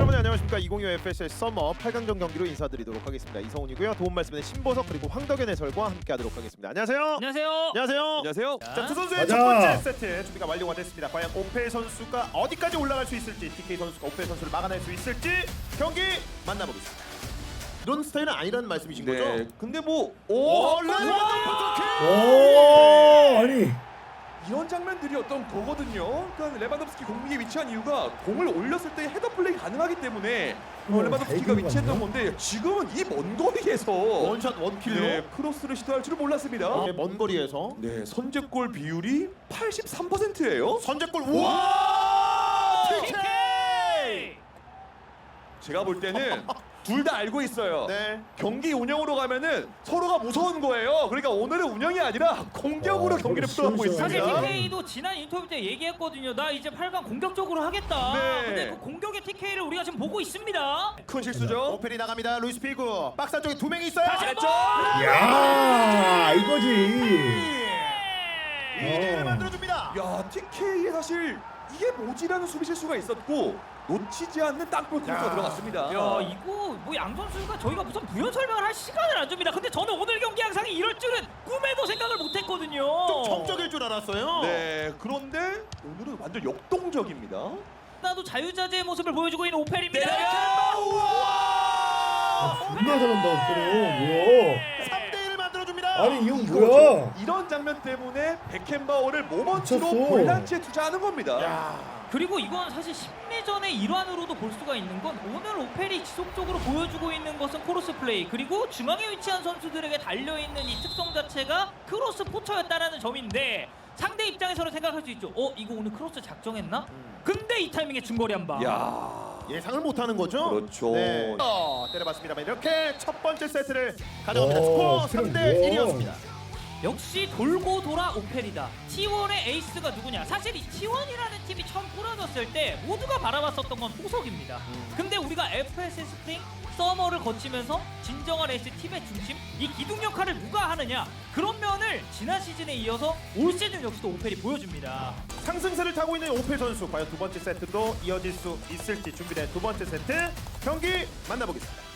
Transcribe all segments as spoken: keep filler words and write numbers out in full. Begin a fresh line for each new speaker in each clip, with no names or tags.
여러분 안녕하십니까. 이천이십오 에프에스엘 서머 팔 강전 경기로 인사드리도록 하겠습니다. 이성훈이고요. 도움 말씀은 신보석 그리고 황덕현 해설과 함께하도록 하겠습니다. 안녕하세요.
안녕하세요.
안녕하세요.
안녕하세요.
자, 두 선수의
가자.
첫 번째 세트 준비가 완료가 됐습니다. 과연 오페 선수가 어디까지 올라갈 수 있을지, 티케이 선수가 오페 선수를 막아낼 수 있을지 경기 만나보겠습니다. 이런 스타일은 아니라는 말씀이신
네.
거죠?
근데 뭐
오,
오,
레반도프스키!
오 아니
이런 장면들이 어떤 거거든요. 그러니까 레반도프스키 공격에 위치한 이유가 공을 올렸을 때 헤더 플레이 가능하기 때문에 어,
어,
레반도프스키가
잘
위치했던
그린 거
건데 지금은 이 먼 거리에서
원샷 원킬로
네, 크로스를 시도할 줄은 몰랐습니다.
네, 먼 거리에서
네, 선제골 비율이 팔십삼 퍼센트예요.
선제골. 우와!
티케이!
제가 볼 때는 둘 다 알고 있어요.
네.
경기 운영으로 가면은 서로가 무서운 거예요. 그러니까 오늘은 운영이 아니라 공격으로
어,
경기를
그래,
풀어가고
시원시원하게.
사실
있습니다.
티케이도 지난 인터뷰 때 얘기했거든요. 나 이제 팔 강 공격적으로 하겠다.
네.
근데 그 공격의 티케이를 우리가 지금 보고 있습니다.
큰 실수죠.
오펠이 나갑니다. 루이스 피구. 박스 안쪽에 두 명이 있어요.
다시
됐죠?
야 이거지.
이대를
어.
만들어줍니다.
야, 티케이에 사실 이게 뭐지라는 수비 실수가 있었고 놓치지 않는 땅볼 코스가 들어갔습니다.
야 이거 뭐 양 선수가 저희가 무슨 부연 설명을 할 시간을 안 줍니다. 근데 저는 오늘 경기 양상이 이럴 줄은 꿈에도 생각을 못했거든요.
좀 정적일 줄 알았어요.
네, 그런데 오늘은 완전 역동적입니다.
나도 자유자재의 모습을 보여주고 있는 오펠입니다.
아, 존나 잘한다 그래. 뭐야?
삼 대 일을 만들어줍니다.
아니 이 형
이거죠.
뭐야?
이런 장면 때문에 베켄바워를 모먼트로
미쳤어.
볼란치에 투자하는 겁니다.
야.
그리고 이건 사실 심리전의 일환으로도 볼 수가 있는 건 오늘 오펠이 지속적으로 보여주고 있는 것은 크로스 플레이 그리고 중앙에 위치한 선수들에게 달려있는 이 특성 자체가 크로스 포처였다는 점인데 상대 입장에서는 생각할 수 있죠. 어? 이거 오늘 크로스 작정했나? 근데 이 타이밍에 중거리 한 방.
야,
예상을 못하는 거죠?
그렇죠.
네. 어, 때려봤습니다만 이렇게 첫 번째 세트를 가져갑니다.
오,
스코어 삼 대
그럼
일이었습니다.
역시 돌고 돌아 오펠이다. 티 원의 에이스가 누구냐? 사실 이 티 원이라는 팀이 처음 꾸려졌을 때 모두가 바라봤었던 건 호석입니다. 근데 우리가 에프에스엘 스프링, 서머를 거치면서 진정한 에이스 팀의 중심, 이 기둥 역할을 누가 하느냐? 그런 면을 지난 시즌에 이어서 올 시즌 역시도 오펠이 보여줍니다.
상승세를 타고 있는 오페 선수 과연 두 번째 세트도 이어질 수 있을지 준비된 두 번째 세트 경기 만나보겠습니다.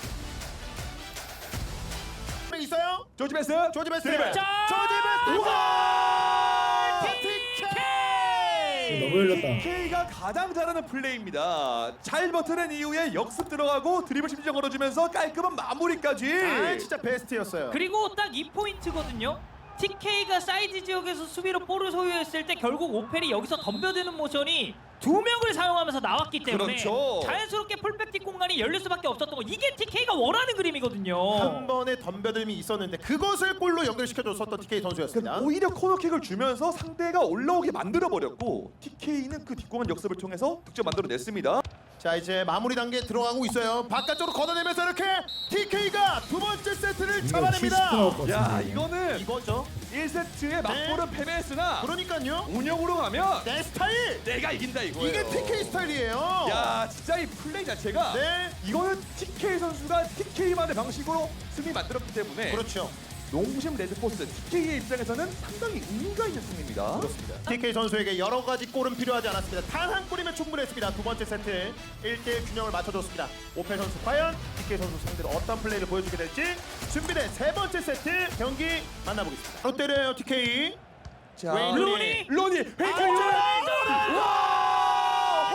있어요?
조지 베스.
조지 베스트.
드리블.
자,
조지 베스트. 우와!
티케이!
너무 열렸다.
티케이가 가장 잘하는 플레이입니다. 잘 버텨낸 이후에 역습 들어가고 드리블 심지어 걸어주면서 깔끔한 마무리까지.
아, 진짜 베스트였어요.
그리고 딱 이 포인트거든요. 티케이가 사이드 지역에서 수비로 볼을 소유했을 때 결국 오펠이 여기서 덤벼드는 모션이 두 명을 사용하면서 나왔기 때문에
그렇죠.
자연스럽게 풀백틱 공간이 열릴 수밖에 없었던 거. 이게 티케이가 원하는 그림이거든요.
한 번의 덤벼듦이 있었는데 그것을 골로 연결시켜줬었던 티케이 선수였습니다.
그러니까 오히려 코너킥을 주면서 상대가 올라오게 만들어버렸고 티케이는 그 뒷공간 역습을 통해서 득점 만들어냈습니다.
자, 이제 마무리 단계 들어가고 있어요. 바깥쪽으로 걷어내면서 이렇게 티케이가 두 번째 세트를
이거 칠십
잡아냅니다.
나올 것
야,
같은데.
이거는
이거죠.
일 세트에 맞보는 패배했으나
그러니까요.
운영으로 가면
내 스타일.
내가 이긴다 이거예요.
이게 티케이 스타일이에요.
야, 진짜 이 플레이 자체가
네.
이거는 티케이 선수가 티케이만의 방식으로 승리 만들었기 때문에
그렇죠.
농심 레드포스 티케이의 입장에서는 상당히 의미가 있는 승리입니다.
그렇습니다. 티케이 선수에게 여러 가지 골은 필요하지 않았습니다. 단 한 골이면 충분했습니다. 두 번째 세트 일 대 일 균형을 맞춰줬습니다. 오펠 선수 과연 티케이 선수 상대로 어떤 플레이를 보여주게 될지 준비된 세 번째 세트 경기 만나보겠습니다. 바로 때려요 티케이.
자,
웨인
루니!
로니 헤이컨 와!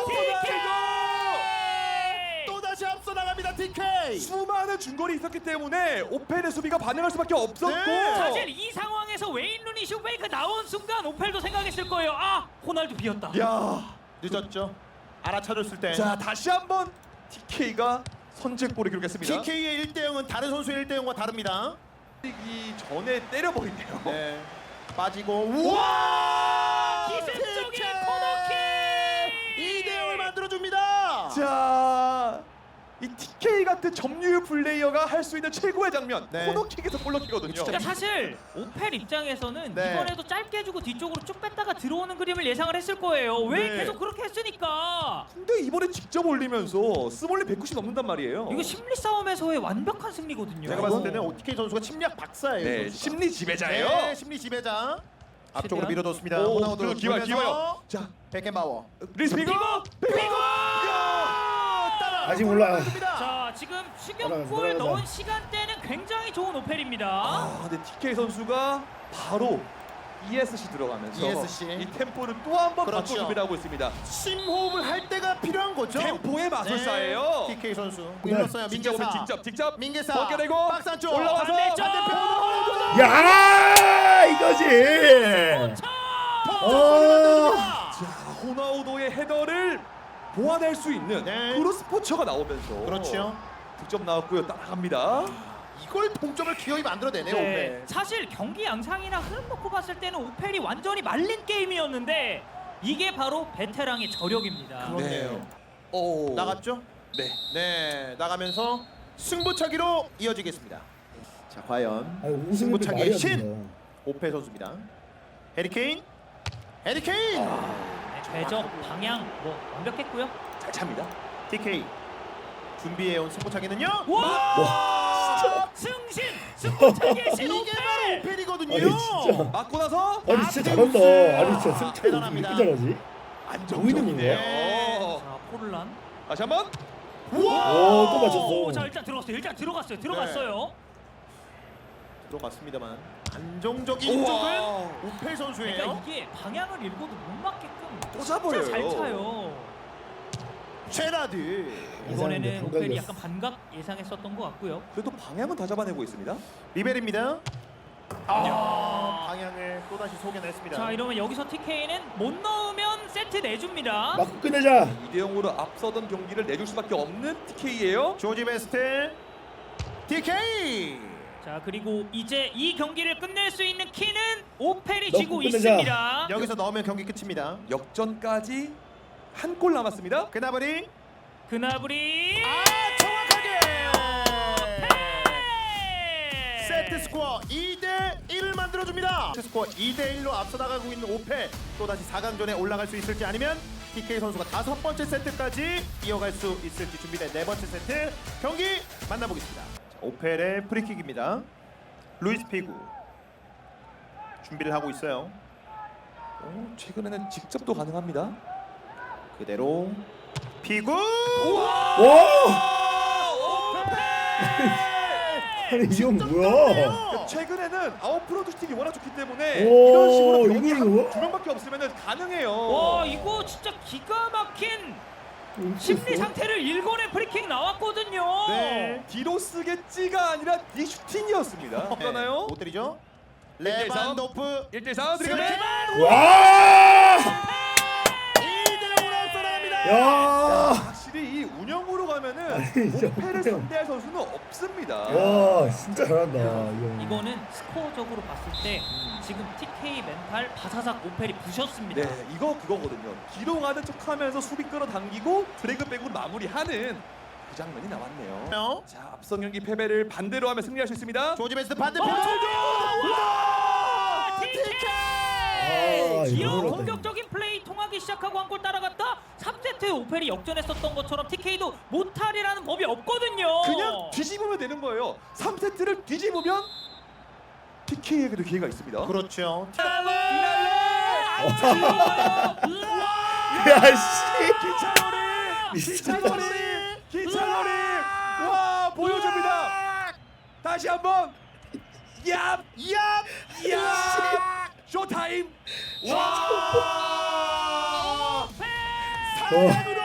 또 다시 앞서 나갑니다 티케이.
수많은 중거리 있었기 때문에 오펠의 수비가 반응할 수밖에 없었고
네.
사실 이 상황에서 웨인 루니 슈페이크 나온 순간 오펠도 생각했을 거예요. 아, 호날두 비었다.
야,
늦었죠. 알아차렸을 때.
자 다시 한번 티케이가 선제골을 기록했습니다.
티케이의 일 대 영은 다른 선수의 일 대 영과 다릅니다.
이 전에 때려버리네요.
네. 빠지고 우와!
기습적인 코너킥!
이 대 영을 만들어줍니다.
자, 이 티케이 같은 점유율 플레이어가 할 수 있는 최고의 장면
네.
코너킥에서 볼럭킥거든요.
그러니까 사실 오펠 입장에서는
네.
이번에도 짧게 주고 뒤쪽으로 쭉 뺐다가 들어오는 그림을 예상을 했을 거예요. 왜
네.
계속 그렇게 했으니까.
근데 이번에 직접 올리면서 스몰리 백구십 넘는단 말이에요.
이거 심리 싸움에서의 완벽한 승리거든요.
제가 봤을 때는 티케이 선수가 침략 박사예요.
네,
이 선수가.
심리 지배자예요.
네, 심리 지배자. 앞쪽으로
최대한.
밀어뒀습니다.
오,
호나우드
그리고 기와요,
돌면서
기와요. 자,
베켄바워.
리스피고,
피고!
피고.
야! 따라
아직 몰라.
자 지금
올라가자,
추격골
올라가자.
넣은 시간대는 굉장히 좋은 오펠입니다.
아, 근데 티케이 선수가 바로 이에스씨 들어가면서
이에스씨.
이 템포를 또 한 번
그렇죠.
바꿔 준비를 하고 있습니다.
심호흡을 할 때가 필요한 거죠.
템포의 마술사예요.
네. 티케이 선수
네.
일렀어요.
직접
민계사.
직접 직접
민계사.
벗겨내고
박스 안쪽.
올라와서
반대쪽.
반대편.
야 이거지. 어.
자, 호나우도의 헤더를 보완할 수 있는
네.
크로스포처가 나오면서
그렇죠.
득점 나왔고요. 따라갑니다.
이걸 동점을 기어이 만들어내네요.
네,
오페.
사실 경기 양상이나 흐름 놓고 봤을 때는 오펠이 완전히 말린 게임이었는데 이게 바로 베테랑의 저력입니다.
그렇네요.
오.
나갔죠?
네.
네, 나가면서 승부차기로 이어지겠습니다. 자, 과연
아 우승이
승부차기의
말이 안
신!
된다.
오페 선수입니다. 해리케인, 해리케인,
네, 궤적 방향 뭐 완벽했고요.
잘 찹니다.
티케이 준비해온 승부차기는요.
와! 승신! 승부차기의 신
이게 바로
오펠!
오펠이거든요.
아니 진짜.
맞고 나서
아니 진짜 잘한다. 아니 진짜 승차이 어떻게
대단합니다.
이렇게 잘하지?
안정적이네요.
네.
자 포르란.
다시 한번.
오, 또
오,
맞췄어.
자 일단 들어갔어요. 일단 들어갔어요. 들어갔어요.
들어갔습니다만 안정적인
우와.
쪽은 오펠 선수예요.
그러니까 이게 방향을 읽어도 못 맞게끔
또
진짜
잡아요.
잘 차요.
제라드.
이번에는
예상인데
오펠이
감각이었어.
약간 반각 예상했었던 것 같고요.
그래도 방향은 다 잡아내고 있습니다.
리벨입니다. 아, 방향을 또다시 속여냈습니다.
자 이러면 여기서 티케이는 못 넣으면 세트 내줍니다.
맞고 끝내자.
이 대 영으로 앞서던 경기를 내줄 수밖에 없는 티케이예요.
조지 베스트, 티케이.
자 그리고 이제 이 경기를 끝낼 수 있는 키는 오펠이
넣고
지고
끝내자.
있습니다.
여기서 넣으면 경기 끝입니다.
역전까지 한 골 남았습니다.
그나버리
그나브리
아 정확하게
네.
세트 스코어 이 대 일을 만들어줍니다. 세트 스코어 이 대 일로 앞서 나가고 있는 오페 또다시 사 강전에 올라갈 수 있을지 아니면 티케이 선수가 다섯 번째 세트까지 이어갈 수 있을지 준비된 네 번째 세트 경기 만나보겠습니다. 자, 오펠의 프리킥입니다. 루이스 피구 준비를 하고 있어요.
오, 최근에는 직접도 가능합니다.
그대로 피구
와. 아니 이건 뭐야?
최근에는 아웃프로드 슈팅이 워낙 좋기 때문에
오,
이런 식으로 병이
이걸
한,
이거?
두 명밖에 없으면 가능해요.
와 이거 진짜 기가 막힌 심리 상태를 읽어낸 프리킥 나왔거든요.
네.
뒤로 쓰겠지가 아니라 뒤 슈팅이었습니다. 없잖아요.
못 때리죠?
일 대 삼.
레반도프
일 대 사
스리번
와.
이 대 오로 앞서 나갑니다.
야.
확실히 이 운영으로 가면은
아니, 진짜
오페를
어떡해요.
상대할 선수는 없습니다.
와 진짜 잘한다. 이거.
이거는 스코어적으로 봤을 때 지금 티케이 멘탈 바사삭 오펠이 부셨습니다.
네, 이거 그거거든요. 뒤로 가는 척하면서 수비 끌어당기고 드래그백으로 마무리하는 그 장면이 나왔네요.
어?
자, 앞선 경기 패배를 반대로 하면 승리할 수 있습니다.
조지 베스트 반대편
와,
와!
티케이!
아,
기어
이거
공격적인 플레이 통하기 시작하고 한 골 따라갔다 삼 세트 오펠이 역전했었던 것처럼 티케이도 못할이라는 법이 없거든요.
그냥 뒤집으면 되는 거예요. 삼 세트를 뒤집으면 티케이에게도 기회가 있습니다.
그렇죠.
안 들어가요.
야씨.
기차놀이! 기차놀이! 기차놀이! 와, 보여줍니다. 다시 한번. 얍! 얍! 얍! 쇼타임! 와!
삼 강으로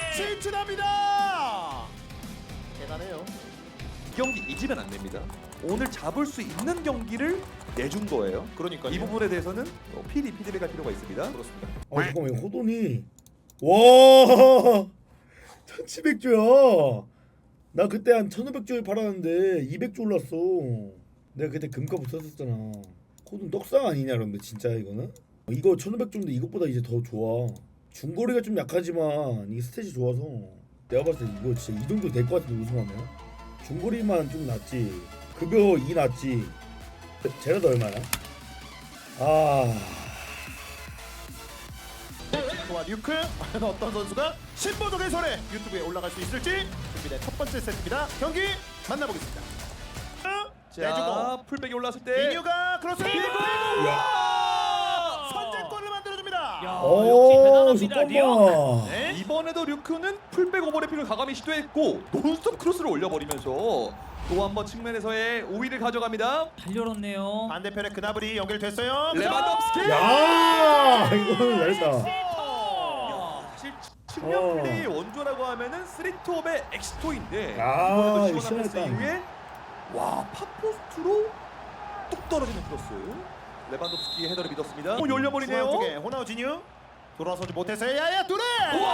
진출합니다. 대단해요.
이 경기 이기면 안 됩니다. 오늘 잡을 수 있는 경기를 내준 거예요.
그러니까요.
이 부분에 대해서는 어, 피디 피드백할 필요가 있습니다.
그렇습니다.
아 잠깐만 이거 호돈이 와 천칠백 조야. 나 그때 한 천오백 조에 팔았는데 이백 조 올랐어. 내가 그때 금값 썼었잖아. 호돈 떡상 아니냐 그런데 진짜 이거는? 이거 천오백 조인데 이것보다 이제 더 좋아. 중거리가 좀 약하지만 이게 스탯이 좋아서 내가 봤을 때 이거 진짜 이 정도 될 것 같은데 우승하면. 중거리만 좀 낫지. 급여 이 낫지. 제라도 얼마야? 아.
와 뉴크 과연 어떤 선수가 신보적의 손에 유튜브에 올라갈 수 있을지 준비된 첫 번째 세트입니다. 경기 만나보겠습니다.
자,
내주고
풀백이 올랐을 때
이뉴가 크로스 피고
와!
선제골을 만들어줍니다.
야,
오
역시 대단합니다. 리오.
잠깐만.
네.
이번에도 류크는 풀백 오버래핑을 과감히 시도했고 논스톱 크로스를 올려버리면서 또 한 번 측면에서의 우위를 가져갑니다.
달려왔네요.
반대편에 그나브리 연결됐어요.
레반덥스키!
야 이거는 잘했다.
사실 측면
어.
플레이의 원조라고 하면은 쓰리톱의 엑스토인데
아,
이번에도
이거
시원한 패스
시원했다.
이후에 와 팝포스트로 뚝 떨어지는 크로스 레반덥스키의 헤더를 믿었습니다. 오 열려버리네요.
중앙 쪽에 호나우지뉴 돌아서지 못해서 야야 뚜레.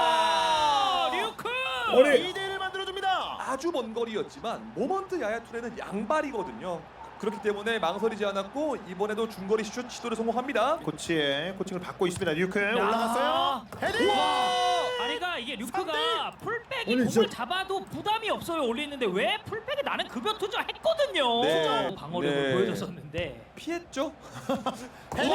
와, 류크.
어리.
이 대 일을 만들어줍니다.
아주 먼 거리였지만 모먼트 야야투레는 양발이거든요. 그렇기 때문에 망설이지 않았고 이번에도 중거리 슛 시도를 성공합니다.
코치의 코칭을 받고 있습니다. 류크
야.
올라갔어요. 헤딩.
아니가 이게 류크가 풀백이
아니,
공을
진짜-
잡아도 부담이 없어요 올리는데 왜 풀백에 나는 급여 투자했거든요.
네.
방어력을
네.
보여줬었는데.
피했죠?
헤딩.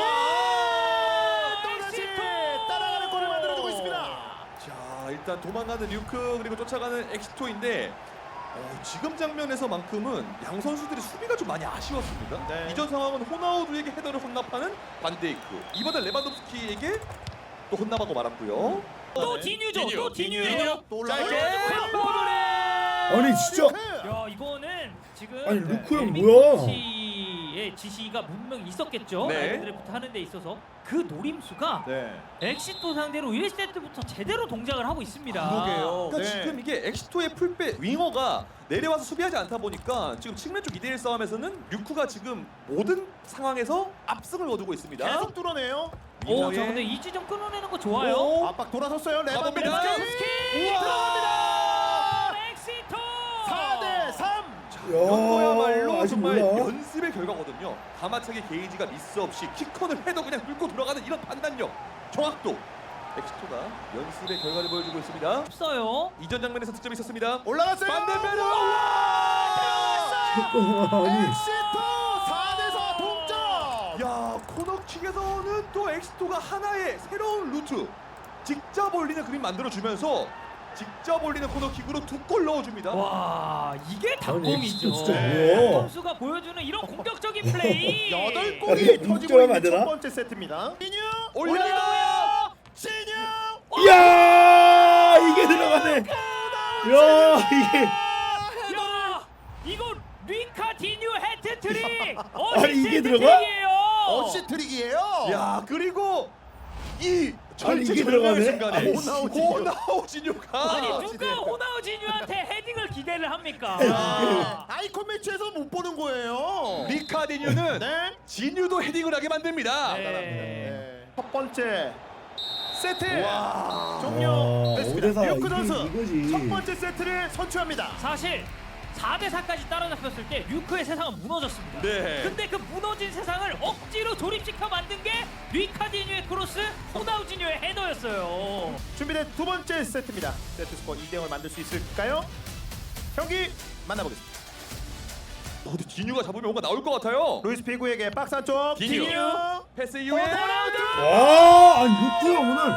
와,
또다시
엑시토!
따라가는 골을 만들어주고 있습니다.
자 일단 도망가는 류크 그리고 쫓아가는 엑시토인데 어, 지금 장면에서만큼은 양 선수들이 수비가 좀 많이 아쉬웠습니다.
네.
이전 상황은 호나우두에게 헤더를 혼납하는 반데이크 이번엔 레반도프스키에게 또 혼납하고 말았고요.
또
네.
디뉴죠.
디뉴,
또 디뉴예요.
또
짧게
올라가요.
아니 진짜.
야 이거는 지금
아니 루크 형
엘빈
뭐야?
코치의 지시가 분명히 있었겠죠.
네.
아이들부터 하는 데 있어서 그 노림수가
네.
엑시토 상대로 일 세트부터 제대로 동작을 하고 있습니다.
그러게요.
그러니까
네.
지금 이게 엑시토의 풀백 윙어가 내려와서 수비하지 않다 보니까 지금 측면 쪽 이 대 일 싸움에서는 류크가 지금 모든 상황에서 압승을 거두고 있습니다.
계속 뚫어내요.
오,
윙어의-
저 근데 이 지점 끊어내는 거 좋아요.
오,
압박 돌아섰어요.
가봅니다.
레반도프스키.
우와!
들어갑니다.
엑시토!
사 대 삼.
이런 거야말로
아직
정말
몰라.
연습의 결과거든요. 가마차기 게이지가 미스 없이 키컨을 해도 그냥 뚫고 들어가는 이런 판단력, 정확도. 엑시토가 연습의 결과를 보여주고 있습니다.
없어요.
이전 장면에서 득점이 있었습니다.
올라갔어요.
반대편으로
아니
엑시토 사 대 사 동점.
야 코너킥에서는 또 엑시토가 하나의 새로운 루트 직접 올리는 그림 만들어주면서 직접 올리는 코너킥으로 두 골 넣어줍니다.
와, 이게
아니
닭공이죠.
진짜
네.
뭐야?
선수가 보여주는 이런 공격적인 플레이.
여덟
야,
골이
이게
터지고
득점하면
있는
안 되나?
첫 번째 세트입니다. 진유
올려요.
진유.
야 이게 들어가네. 야 이게
야, 이거 리카 디뉴 해트트릭.
아니, 이게 들어가?
어시 트릭이에요.
야 그리고 이
아니,
절체
이게
절명의
들어가네?
순간에
아니,
호나우지뉴.
호나우지뉴가
아니
아,
누가
진짜.
호나우지뉴한테 헤딩을 기대를 합니까?
아, 아이콘 매치에서 못 보는 거예요.
리카디뉴는
네.
진유도 헤딩을 하게 만듭니다.
네.
네. 첫 번째 세트
와.
와,
종료됐습니다.
오 대 사
류크
이게
선수
이거지.
첫 번째 세트를 선취합니다.
사실 사 대 사까지 따라잡혔을 때 류크의 세상은 무너졌습니다.
네.
근데 그 무너진 세상을 억지로 조립시켜 만든 게 리카디뉴의 크로스, 호나우지뉴의 헤더였어요.
준비된 두 번째 세트입니다. 세트 스코어 이 대 영을 만들 수 있을까요? 경기 만나보겠습니다.
어, 근데 진유가 잡으면 뭔가 나올 것 같아요.
루이스 피구에게 박스 안쪽
디뉴.
디뉴
패스 이후에
호나우두
와 아니 루크 형 오늘.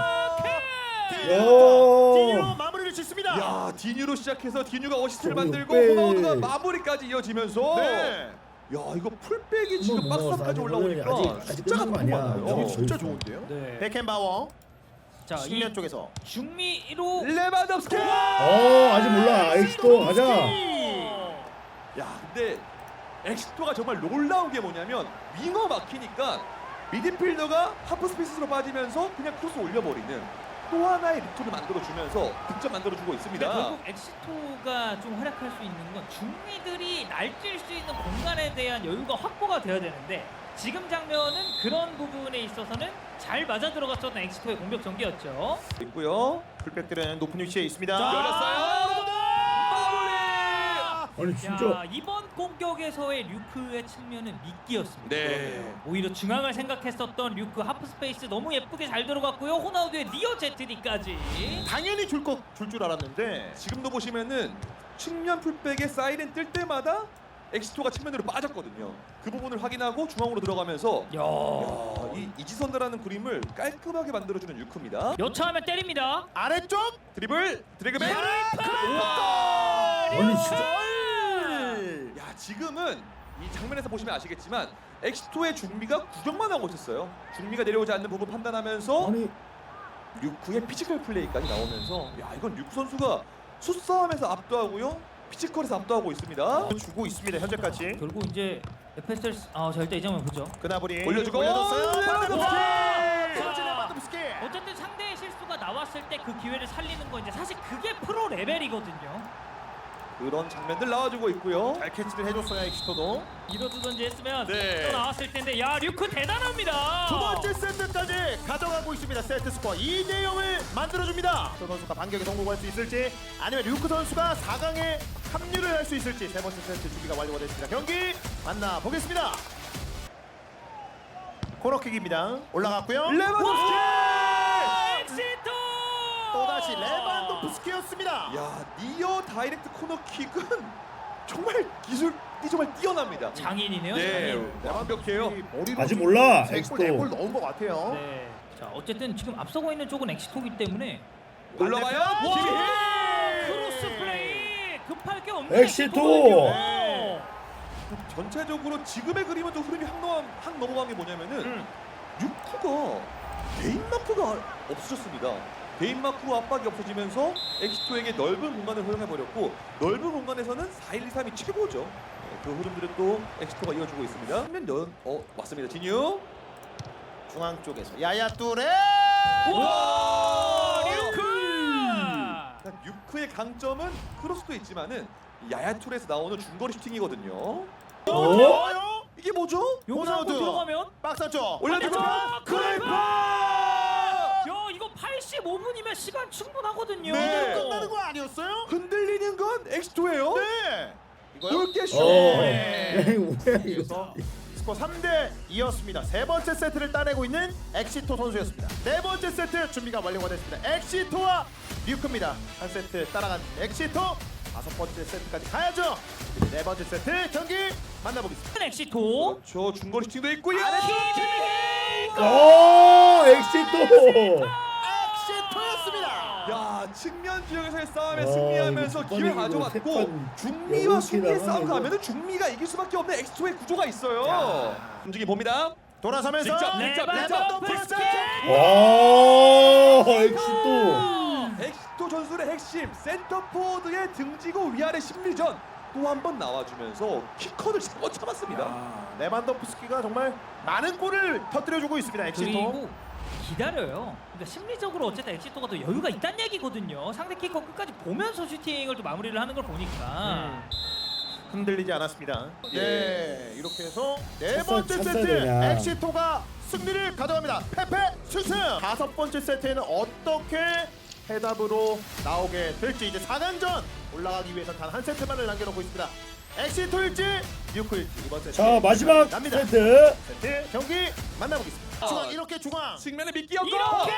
디뉴
야.
마무리를 짓습니다.
야 디뉴로 시작해서 디뉴가 어시스트를
저거
만들고
빼.
호나우두가 마무리까지 이어지면서
네.
야 이거 풀백이 지금
한번
박스
넘어가서
앞까지
아직
올라오니까
오늘 아직- 아직
숫자가
끝난 거
너무
아니야.
많아요.
어,
어,
진짜
있어.
좋은데요?
네.
베켄바워
자, 이
측면 쪽에서
중미로
레반덥스키.
어 아직 몰라. 엑스토 가자.
야 근데 엑시토가 정말 놀라운 게 뭐냐면 윙어 막히니까 미드필더가 하프 스페이스로 빠지면서 그냥 크로스 올려버리는 또 하나의 루트를 만들어주면서 득점 만들어주고
근데
있습니다.
결국 엑시토가 좀 활약할 수 있는 건 중미들이 날뛸 수 있는 공간에 대한 여유가 확보가 돼야 되는데 지금 장면은 그런 부분에 있어서는 잘 맞아 들어갔었던 엑시토의 공격 전개였죠.
있고요.
풀백들은 높은 위치에 있습니다.
자,
열렸어요. 마무리.
아니 진짜.
야, 이번 공격에서의 류크의 측면은 미끼였습니다.
네.
오히려 중앙을 생각했었던 류크 하프 스페이스 너무 예쁘게 잘 들어갔고요. 호나우드의 니어 제트디까지.
당연히 줄 거 줄 줄 알았는데
지금도 보시면은 측면 풀백에 사이렌 뜰 때마다 엑시토가 측면으로 빠졌거든요. 그 부분을 확인하고 중앙으로 들어가면서
야,
야, 이 이지선다라는 그림을 깔끔하게 만들어주는 류크입니다.
여차하면 때립니다.
아래쪽
드리블, 드래그백.
아니 진짜.
야 지금은 이 장면에서 보시면 아시겠지만 엑시토의 중미가 구경만 하고 있었어요. 중미가 내려오지 않는 부분 판단하면서
아니
류크의 피지컬 플레이까지 나오면서 야 이건 류크 선수가 수싸움에서 압도하고요. 피지컬에서 압도하고 있습니다.
주고 있습니다 현재까지.
결국 이제 에프에스에스 아, 자 일단 이 장면 보죠.
그나브리
올려주고
올려줬어요.
레반도프스키!
와! 터치 레반도프스키.
어쨌든 상대의 실수가 나왔을 때 그 기회를 살리는 거 이제 사실 그게 프로 레벨이거든요.
그런 장면들 나와주고 있고요.
잘 캐치를 해줬어요 엑시토도.
이러두던지 했으면
네.
또 나왔을 텐데 야 류크 대단합니다.
두 번째 세트까지 가져가고 있습니다. 세트 스코어 이 대 영을 만들어줍니다. 저 선수가 반격에 성공할 수 있을지 아니면 류크 선수가 사 강에 합류를 할 수 있을지 세 번째 세트 준비가 완료가 됐습니다. 경기 만나보겠습니다. 코너킥입니다. 올라갔고요.
레반도프스키!
엑시토
또다시 레반도프스키였습니다.
야 니어 다이렉트 코너킥은 정말 기술이 정말 뛰어납니다.
장인이네요.
네,
장인.
완벽해요.
머리로
아직 몰라,
세골
엑시토.
네골 넣은 것 같아요.
네. 자 어쨌든 지금 앞서고 있는 쪽은 엑시토기 때문에
올라가요.
반대편.
김희!
와!
크로스 플레이 급할 게 없는
엑시토!
엑시토거든요.
전체적으로 지금의 그림은 좀 흐름이 확, 넘어, 확 넘어간 게 뭐냐면은
음.
류크가 개인 마크가 없어졌습니다. 개인 마크로 압박이 없어지면서 엑시토에게 넓은 공간을 허용해버렸고 넓은 공간에서는 사 일 이 삼이 최고죠. 네, 그 흐름들을 또 엑시토가 이어주고 있습니다. 한면 연, 어 맞습니다. 진유.
중앙 쪽에서 야야 뚜레.
와 류크!
일단 류크의 강점은 크로스도 있지만은 야야툴에서 나오는 중거리 슈팅이거든요.
어?
이게 뭐죠?
여기서 한번
호나우두.
들어가면
박사 쪽
올려주고
아,
크라이프!
야 이거 팔십오 분이면 시간 충분하거든요.
네.
끝나는 거 아니었어요?
흔들리는 건 엑시토예요.
네. 이거요?
골게쇼.
어.
네.
왜 이거?
그래서 스코어 삼 대 이였습니다. 세 번째 세트를 따내고 있는 엑시토 선수였습니다. 네 번째 세트 준비가 완료가 됐습니다. 엑시토와 류크입니다. 한 세트 따라간 엑시토. 다섯 번째 세트까지 가야죠. 네 번째 세트 경기 만나보겠습니다.
엑시토.
그렇죠. 중거리 슈팅도 있고요.
오 엑시토.
엑시토였습니다.
야 측면 지역에서의 싸움에
와,
승리하면서
이거
기회
두 번이고
가져갔고
세 번
중미와
여덟
수비의
개
싸움
나가면
가면은 중미가 이길 수밖에 없는 엑시토의 구조가 있어요.
야.
움직임 봅니다.
돌아서면서
직접, 직접,
레반도프스키!
와 엑시토.
엑시토 전술의 핵심 센터포드의 등지고 위아래 심리전 또 한 번 나와주면서 키커를 잡아 참았습니다.
야, 레반도프스키가 정말 많은 골을 터뜨려주고 있습니다. 엑시토.
그리고 기다려요. 그러니까 심리적으로 어쨌든 엑시토가 더 여유가 있다는 얘기거든요. 상대 키커 끝까지 보면서 슈팅을 또 마무리를 하는 걸 보니까.
음. 흔들리지 않았습니다.
예.
네, 이렇게 해서 네
찼어-
번째
찼어야
세트
되냐.
엑시토가 승리를 가져갑니다. 페페 승승. 다섯 번째 세트에는 어떻게 해답으로 나오게 될지 이제 사 강전 올라가기 위해서 단 한 세트만을 남겨놓고 있습니다. 엑시토일지 류크일지 이번 세트.
자 마지막
납니다.
세트.
세트 경기 만나보겠습니다.
아.
중앙 이렇게 중앙.
측면에 미끼 없고
이렇게!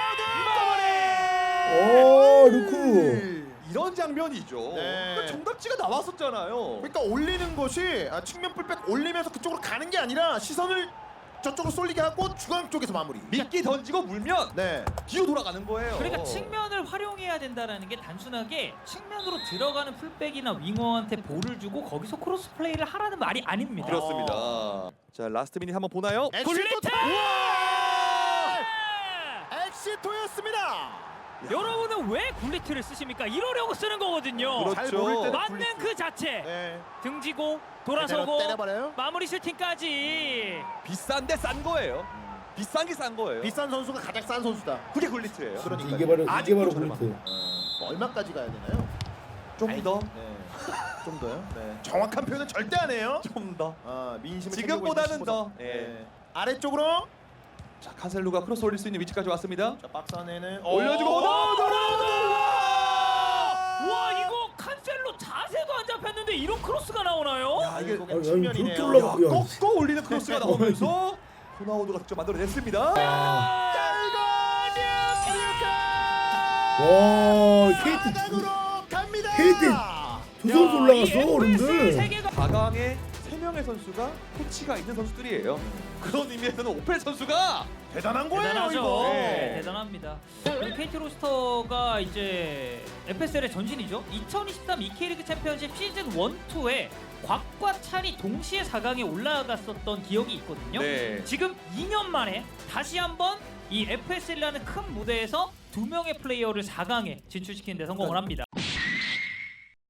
오 루크.
이런 장면이죠.
네.
그러니까 정답지가 나왔었잖아요.
그러니까 올리는 것이 아, 측면 풀백 올리면서 그쪽으로 가는 게 아니라 시선을 저쪽으로 쏠리게 하고 중앙 쪽에서 마무리.
미끼 던지고 물면
네.
뒤로 돌아가는 거예요.
그러니까 측면을 활용해야 된다라는 게 단순하게 측면으로 들어가는 풀백이나 윙어한테 볼을 주고 거기서 크로스 플레이를 하라는 말이 아닙니다.
그렇습니다. 자 라스트 미닛 한번 보나요?
엑시토
굴리트!
우와! 엑시토였습니다.
여러분은 왜 굴리트를 쓰십니까? 이러려고 쓰는 거거든요.
그렇죠.
잘 모를 때는
맞는
굴리트.
그 자체.
네.
등지고
제대로
돌아서고
때려버려요.
마무리 슈팅까지.
비싼데 싼 거예요. 비싼 게 싼 거예요.
비싼 선수가 가장 싼 선수다.
그게 굴리트예요.
그러니까요.
이게 바로 이게
아직도
바로
저렴한
굴리트.
어, 얼마까지 가야 되나요?
좀 더.
네. 좀 더요? 네. 정확한 표현은 절대 안 해요.
좀 더.
아, 민심을
지금보다는
챙기고 있는
더.
신보다.
예.
네. 아래쪽으로
자 칸셀루가 크로스 올릴 수 있는 위치까지 왔습니다.
자, 박스 안에는
올려주고
오!
와 이거 칸셀로 자세도 안 잡혔는데 이런 크로스가 나오나요?
야, 이게
아니, 아니,
측면이네요.
그렇게 올라가-
야, 꺾어 올리는 크로스가 나오면서 호나우두가 직접 만들어냈습니다.
와
자,
케이트
사강으로 갑니다.
케이트 두 선수 올라갔어 어른들.
세계가
사 강에 세 명의 선수가 코치가 있는 선수들이에요. 그런 의미에서는 오펠 선수가
대단한 거예요
대단하죠.
이거.
네, 대단합니다. 그리고 케이티 로스터가 이제 에프에스엘의 전신이죠. 이천이십삼 이케이리그 챔피언십 시즌 일, 이에 곽과 찬이 동시에 사 강에 올라갔었던 기억이 있거든요.
네.
지금 이 년 만에 다시 한번 이 에프에스엘이라는 큰 무대에서 두 명의 플레이어를 사 강에 진출시키는 데 성공을 합니다.